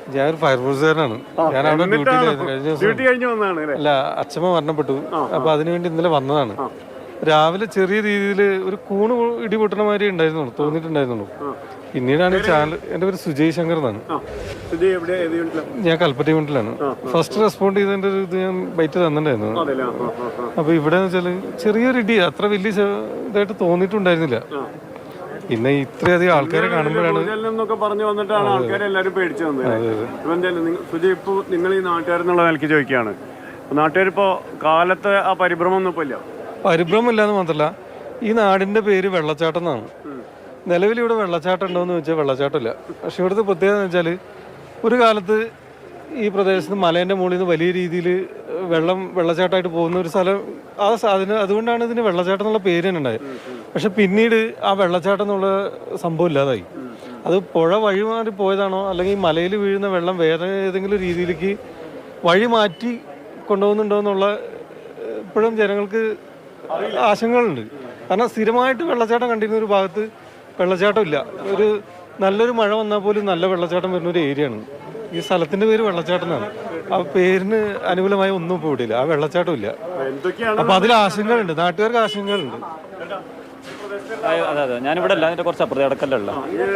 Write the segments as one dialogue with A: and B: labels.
A: ഞാൻ ഒരു ഫയർഫോഴ്സുകാരനാണ്. ഞാൻ അവിടെ
B: ഡ്യൂട്ടി കഴിഞ്ഞ് വന്നതാണ്.
A: അല്ല, അച്ഛമ്മ മരണപ്പെട്ടു. അപ്പൊ അതിനുവേണ്ടി ഇന്നലെ വന്നതാണ്. രാവിലെ ചെറിയ രീതിയിൽ ഒരു കൂണ് ഇടി പൊട്ടണ മാതിരി ഉണ്ടായിരുന്നുള്ളൂ, തോന്നിയിട്ടുണ്ടായിരുന്നുള്ളൂ. പിന്നീടാണ് ഈ ചാനൽ. എൻ്റെ പേര് സുജയ് ശങ്കർ എന്നാണ്. ഞാൻ കൽപ്പറ്റ യൂണിറ്റിലാണ്. ഫസ്റ്റ് റെസ്പോണ്ട് ചെയ്തതിന്റെ ഒരു ഇത് ഞാൻ ബൈറ്റ് തന്നിട്ടുണ്ടായിരുന്നു. അപ്പൊ ഇവിടെ വെച്ചാല് ചെറിയൊരു ഇടി, അത്ര വലിയ ഇതായിട്ട് തോന്നിയിട്ടുണ്ടായിരുന്നില്ല. പിന്നെ ഇത്രയധികം ആൾക്കാരെ കാണുമ്പോഴാണ്
B: പറഞ്ഞു വന്നിട്ടാണ് ആൾക്കാരെ എല്ലാവരും പേടിച്ചു വന്നത്. സുജയ്, ഇപ്പൊ നിങ്ങൾ ഈ നാട്ടുകാരെന്നുള്ള നിലയ്ക്ക് ചോദിക്കുകയാണ്, നാട്ടുകാരിപ്പോ കാലത്തെ ആ പരിഭ്രമം ഒന്നും ഇപ്പൊ ഇല്ല.
A: പരിഭ്രമം ഇല്ലാന്ന് മാത്രല്ല, ഈ നാടിന്റെ പേര് വെള്ളച്ചാട്ടം എന്നാണ്. നിലവിൽ ഇവിടെ വെള്ളച്ചാട്ടം ഉണ്ടോയെന്ന് ചോദിച്ചാൽ വെള്ളച്ചാട്ടമില്ല. പക്ഷെ ഇവിടുത്തെ പ്രത്യേകത എന്ന് വെച്ചാൽ, ഒരു കാലത്ത് ഈ പ്രദേശത്ത് മലേൻ്റെ മുകളിൽ നിന്ന് വലിയ രീതിയിൽ വെള്ളച്ചാട്ടമായിട്ട് പോകുന്ന ഒരു സ്ഥലം. അതുകൊണ്ടാണ് ഇതിന് വെള്ളച്ചാട്ടം എന്നുള്ള പേര് തന്നെ ഉണ്ടായത്. പക്ഷെ പിന്നീട് ആ വെള്ളച്ചാട്ടം എന്നുള്ള സംഭവം ഇല്ലാതായി. അത് പുഴ വഴി മാറി പോയതാണോ, അല്ലെങ്കിൽ മലയിൽ വീഴുന്ന വെള്ളം വേറെ ഏതെങ്കിലും രീതിയിലേക്ക് വഴി മാറ്റി കൊണ്ടുപോകുന്നുണ്ടോ എന്നുള്ള ഇപ്പോഴും ജനങ്ങൾക്ക് ആശങ്കകളുണ്ട്. കാരണം സ്ഥിരമായിട്ട് വെള്ളച്ചാട്ടം കണ്ടിരുന്ന ഒരു ഭാഗത്ത് വെള്ളച്ചാട്ടം ഇല്ല. ഒരു നല്ലൊരു മഴ വന്നാൽ പോലും നല്ല വെള്ളച്ചാട്ടം വരുന്ന ഒരു ഏരിയയാണ്. ഈ സ്ഥലത്തിന്റെ പേര് വെള്ളച്ചാട്ടം എന്നാണ്. ആ പേരിന് അനുകൂലമായ ഒന്നും ഇപ്പോൾ ഇവിടെയില്ല. ആ വെള്ളച്ചാട്ടം ഇല്ല. അപ്പൊ അതിൽ ആശങ്കകളുണ്ട്, നാട്ടുകാർക്ക് ആശങ്കകളുണ്ട്.
C: അതെ അതെ, ഞാനിവിടെ അല്ല, അതിന്റെ കുറച്ച് അപ്പുറത്തെ അടക്കല്ല.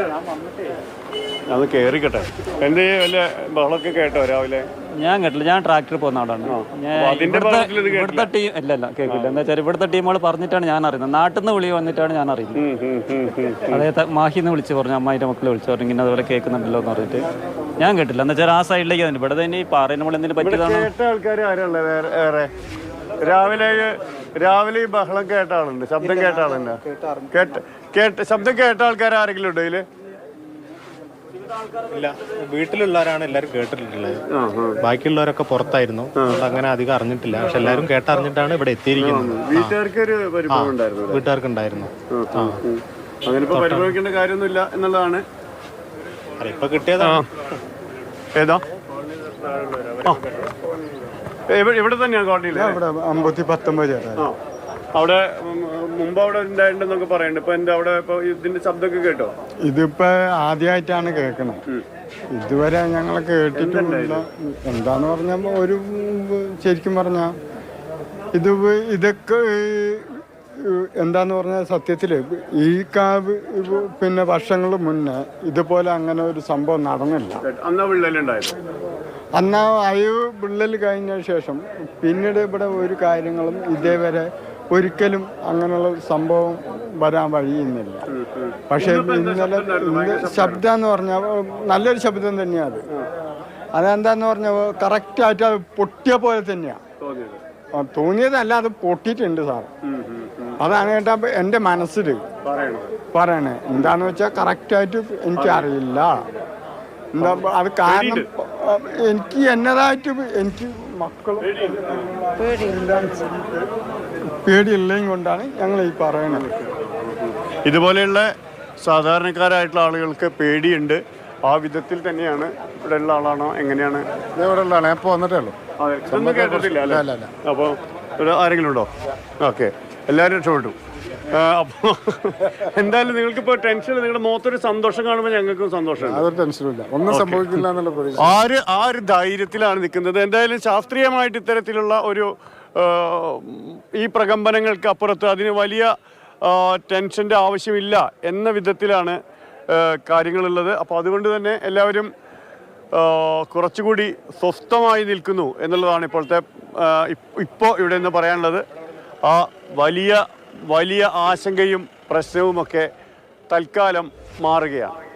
B: അത് കേറിക്കട്ടെ. എന്റെ വല്ല ബഹളമൊക്കെ കേട്ടോ രാവിലെ?
C: ഞാൻ കേട്ടില്ല, ഞാൻ ട്രാക്ടറിൽ പോകുന്ന ആളാണ്. ഇവിടുത്തെ ടീം ഇല്ല കേൾക്കില്ല. എന്താ വെച്ചാൽ ഇവിടുത്തെ ടീമുകൾ പറഞ്ഞിട്ടാണ് ഞാൻ അറിയുന്നത്. നാട്ടിൽ നിന്ന് വിളി വന്നിട്ടാണ് ഞാൻ അറിയുന്നത്. അതായത് മാഹിന്ന് വിളിച്ച് പറഞ്ഞു, അമ്മായിന്റെ മക്കളെ വിളിച്ചു പറഞ്ഞു ഇങ്ങനെ അതുപോലെ കേൾക്കുന്നുണ്ടല്ലോ എന്ന് പറഞ്ഞിട്ട്. ഞാൻ കേട്ടില്ല. എന്താ വെച്ചാൽ ആ സൈഡിലേക്ക് തന്നെ ഇവിടെ തന്നെ ഈ പാറ നമ്മൾ എന്തെങ്കിലും പറ്റിയതാണ്.
B: കേട്ട ആൾക്കാർ ആരുള്ള വേറെ രാവിലെ ഈ ബഹളം കേട്ട ആളുണ്ട്, ശബ്ദം കേട്ട ആളുണ്ട്? ശബ്ദം കേട്ട ആൾക്കാർ ആരെങ്കിലും ഉണ്ടോ ഇതില്?
D: ഇല്ല, വീട്ടിലുള്ളവരാണ് എല്ലാരും കേട്ടിട്ടുള്ളത്. ബാക്കിയുള്ളവരൊക്കെ പുറത്തായിരുന്നു, അങ്ങനെ അധികം അറിഞ്ഞിട്ടില്ല. പക്ഷെ എല്ലാരും കേട്ടറിഞ്ഞിട്ടാണ് ഇവിടെ എത്തിയിരിക്കുന്നത്. വീട്ടുകാർക്ക് ഉണ്ടായിരുന്നു.
B: അങ്ങനെ ഇപ്പൊ പരിഭ്രമിക്കേണ്ട കാര്യമൊന്നുമില്ല എന്നുള്ളതാണ്.
D: ഇപ്പൊ കിട്ടിയതാണ്.
B: ഏതാ? ഇവിടെ തന്നെയാണ് കോളനിയില്. അവിടെ മുമ്പ് അവിടെ ഉണ്ടായിട്ടുണ്ടെന്നൊക്കെ പറയുന്നുണ്ട്. ഇപ്പൊ എന്താ അവിടെ ഇപ്പൊ ഇതിന്റെ ശബ്ദമൊക്കെ കേട്ടോ?
E: ഇതിപ്പോ ആദ്യമായിട്ടാണ് കേൾക്കണത്. ഇതുവരെ ഞങ്ങൾ കേട്ടിട്ടില്ല. എന്താന്ന് പറഞ്ഞ ഒരു ശരിക്കും പറഞ്ഞ ഇതൊക്കെ എന്താന്ന് പറഞ്ഞാൽ സത്യത്തില് ഈ പിന്നെ വർഷങ്ങൾ മുന്നേ ഇതുപോലെ അങ്ങനെ ഒരു സംഭവം നടന്നില്ല. അന്നാ വിള്ളൽ കഴിഞ്ഞ ശേഷം പിന്നീട് ഇവിടെ ഒരു കാര്യങ്ങളും ഇതേവരെ ഒരിക്കലും അങ്ങനെയുള്ള സംഭവം വരാൻ വഴിയുന്നില്ല. പക്ഷെ ഇന്നലെ ശബ്ദം എന്ന് പറഞ്ഞാൽ നല്ലൊരു ശബ്ദം തന്നെയാണ്. അതെന്താന്ന് പറഞ്ഞാൽ കറക്റ്റായിട്ട് അത് പൊട്ടിയ പോലെ തന്നെയാണ് തോന്നിയതല്ല, അത് പൊട്ടിയിട്ടുണ്ട് സാർ. അതാണ് കേട്ടാ എൻ്റെ മനസ്സിൽ പറയണേ. എന്താന്ന് വെച്ചാൽ കറക്റ്റായിട്ട് എനിക്കറിയില്ല. എന്താ അത് കാരണം എനിക്ക് എന്നതായിട്ട് എനിക്ക് മക്കളും പേടിയില്ലെങ്കിൽ കൊണ്ടാണ് ഞങ്ങൾ ഈ പറയണത്.
B: ഇതുപോലെയുള്ള സാധാരണക്കാരായിട്ടുള്ള ആളുകൾക്ക് പേടിയുണ്ട്. ആ വിധത്തിൽ തന്നെയാണ്. ഇവിടെ ഉള്ള ആളാണോ എങ്ങനെയാണ്?
E: ഇവിടെ ഉള്ള ആളാണ്. ഇപ്പോൾ വന്നിട്ടേ ഉള്ളൂ.
B: ഇതൊന്നും കേട്ടിട്ടില്ല അല്ലേ? അപ്പോൾ ഇവിടെ ആരെങ്കിലും ഉണ്ടോ? ഓക്കെ, എല്ലാവരും രക്ഷപ്പെട്ടു. അപ്പോൾ എന്തായാലും നിങ്ങൾക്കിപ്പോൾ ടെൻഷൻ, നിങ്ങളുടെ മുഖത്തൊരു സന്തോഷം കാണുമ്പോൾ ഞങ്ങൾക്കും സന്തോഷമാണ്.
E: അതൊരു ടെൻഷനില്ല, ഒന്നും സംഭവിക്കില്ല എന്നുള്ള പ്രതീക്ഷ.
B: ആ ഒരു ധൈര്യത്തിലാണ് നിൽക്കുന്നത്. എന്തായാലും ശാസ്ത്രീയമായിട്ട് ഇത്തരത്തിലുള്ള ഒരു ഈ പ്രകമ്പനങ്ങൾക്ക് അപ്പുറത്ത് അതിന് വലിയ ടെൻഷൻ്റെ ആവശ്യമില്ല എന്ന വിധത്തിലാണ് കാര്യങ്ങളുള്ളത്. അപ്പോൾ അതുകൊണ്ട് തന്നെ എല്ലാവരും കുറച്ചുകൂടി സ്വസ്ഥമായി നിൽക്കുന്നു എന്നുള്ളതാണ് ഇപ്പോൾ ഇവിടെ നിന്ന് പറയാനുള്ളത്. ആ വലിയ ആശങ്കയും പ്രശ്നവുമൊക്കെ തൽക്കാലം മാറുകയാണ്.